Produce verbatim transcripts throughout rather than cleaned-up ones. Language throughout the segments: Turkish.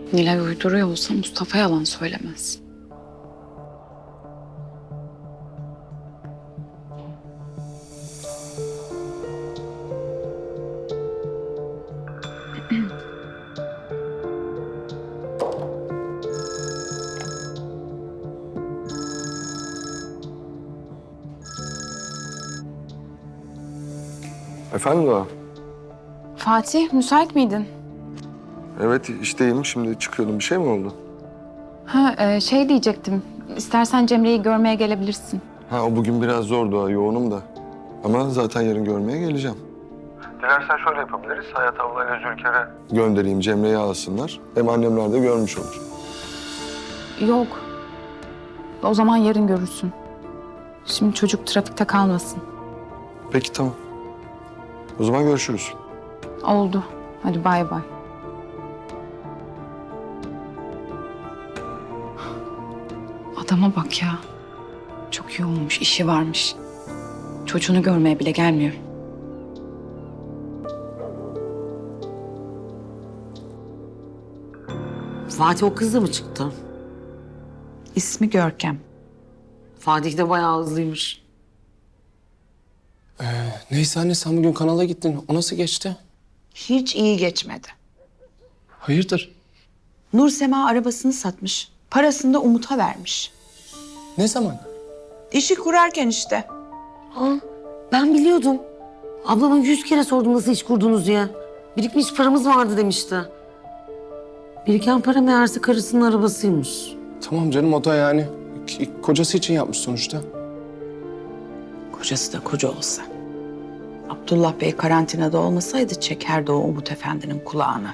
Nilay uyduruyor olsa Mustafa yalan söylemez. Efendim Doğa? Fatih, müsait miydin? Evet, işteyim. Şimdi çıkıyordum. Bir şey mi oldu? Ha, e, şey diyecektim. İstersen Cemre'yi görmeye gelebilirsin. Ha, o bugün biraz zor Doğa, yoğunum da. Ama zaten yarın görmeye geleceğim. Dilersen şöyle yapabiliriz. Hayat ablayla Zülker'e göndereyim, Cemre'yi alsınlar. Hem annemler de görmüş olur. Yok. O zaman yarın görürsün. Şimdi çocuk trafikte kalmasın. Peki, tamam. O zaman görüşürüz. Oldu. Hadi bay bay. Adama bak ya. Çok yoğunmuş, işi varmış. Çocuğunu görmeye bile gelmiyor. Fatih o kızla mı çıktı? İsmi Görkem. Fatih de bayağı hızlıymış. Neyse anne sen bugün kanala gittin. O nasıl geçti? Hiç iyi geçmedi. Hayırdır? Nur Sema arabasını satmış. Parasını da Umut'a vermiş. Ne zaman? İşi kurarken işte. Aa, ben biliyordum. Ablama yüz kere sordum nasıl iş kurdunuz diye. Birikmiş paramız vardı demişti. Biriken para meğerse karısının arabasıymış. Tamam canım o da yani k- kocası için yapmış sonuçta. Kocası da koca olsa. Abdullah Bey karantinada olmasaydı çekerdi o Umut Efendi'nin kulağını.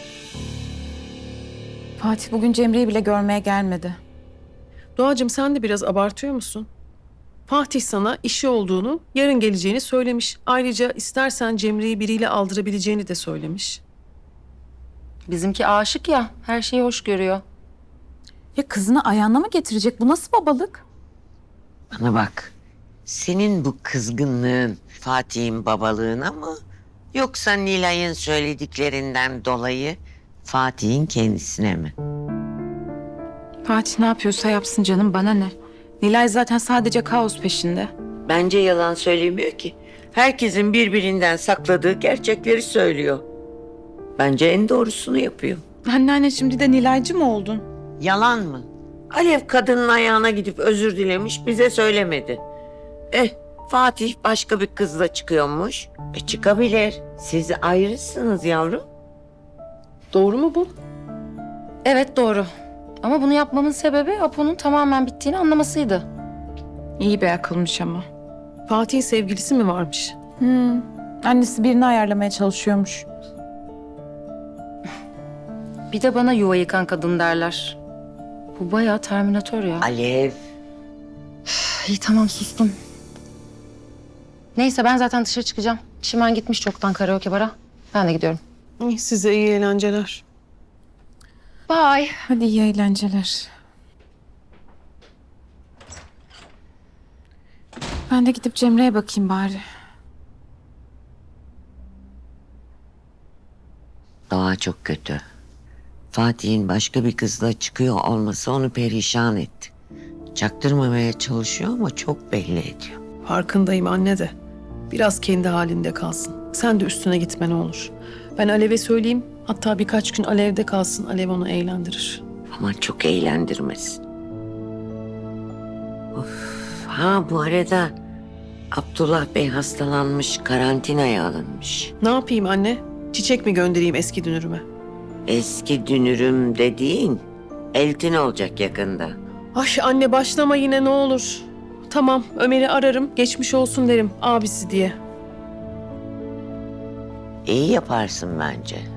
Fatih bugün Cemre'yi bile görmeye gelmedi. Doğacığım sen de biraz abartıyor musun? Fatih sana işi olduğunu, yarın geleceğini söylemiş. Ayrıca istersen Cemre'yi biriyle aldırabileceğini de söylemiş. Bizimki aşık ya, her şeyi hoş görüyor. Ya kızını ayağına mı getirecek? Bu nasıl babalık? Bana bak, senin bu kızgınlığın Fatih'in babalığına mı? Yoksa Nilay'ın söylediklerinden dolayı Fatih'in kendisine mi? Fatih ne yapıyorsa yapsın canım, bana ne? Nilay zaten sadece kaos peşinde. Bence yalan söylemiyor ki. Herkesin birbirinden sakladığı gerçekleri söylüyor. Bence en doğrusunu yapıyor. Anneanne şimdi de Nilaycı mı oldun? Yalan mı? Alev kadının ayağına gidip özür dilemiş, bize söylemedi. Eh, Fatih başka bir kızla çıkıyormuş. E çıkabilir. Siz ayrısınız yavrum. Doğru mu bu? Evet doğru. Ama bunu yapmamın sebebi Apo'nun tamamen bittiğini anlamasıydı. İyi bir akılmış ama. Fatih'in sevgilisi mi varmış? Hmm. Annesi birini ayarlamaya çalışıyormuş. Bir de bana yuva yıkan kadın derler. Bu bayağı Terminator ya. Alev. İyi tamam sustum. Neyse ben zaten dışarı çıkacağım. Çimen gitmiş çoktan karaoke bara. Ben de gidiyorum. İyi, size iyi eğlenceler. Bye. Hadi iyi eğlenceler. Ben de gidip Cemre'ye bakayım bari. Doğa çok kötü. Fatih'in başka bir kızla çıkıyor olması onu perişan etti. Çaktırmamaya çalışıyor ama çok belli ediyor. Farkındayım anne de. Biraz kendi halinde kalsın. Sen de üstüne gitme ne olur. Ben Alev'e söyleyeyim. Hatta birkaç gün Alev'de kalsın. Alev onu eğlendirir. Ama çok eğlendirmesin. Of. Ha bu arada Abdullah Bey hastalanmış, karantinaya alınmış. Ne yapayım anne? Çiçek mi göndereyim eski dünürüme? Eski dünürüm dediğin eltin olacak yakında. Ay anne başlama yine ne olur. Tamam Ömer'i ararım. Geçmiş olsun derim abisi diye. İyi yaparsın bence.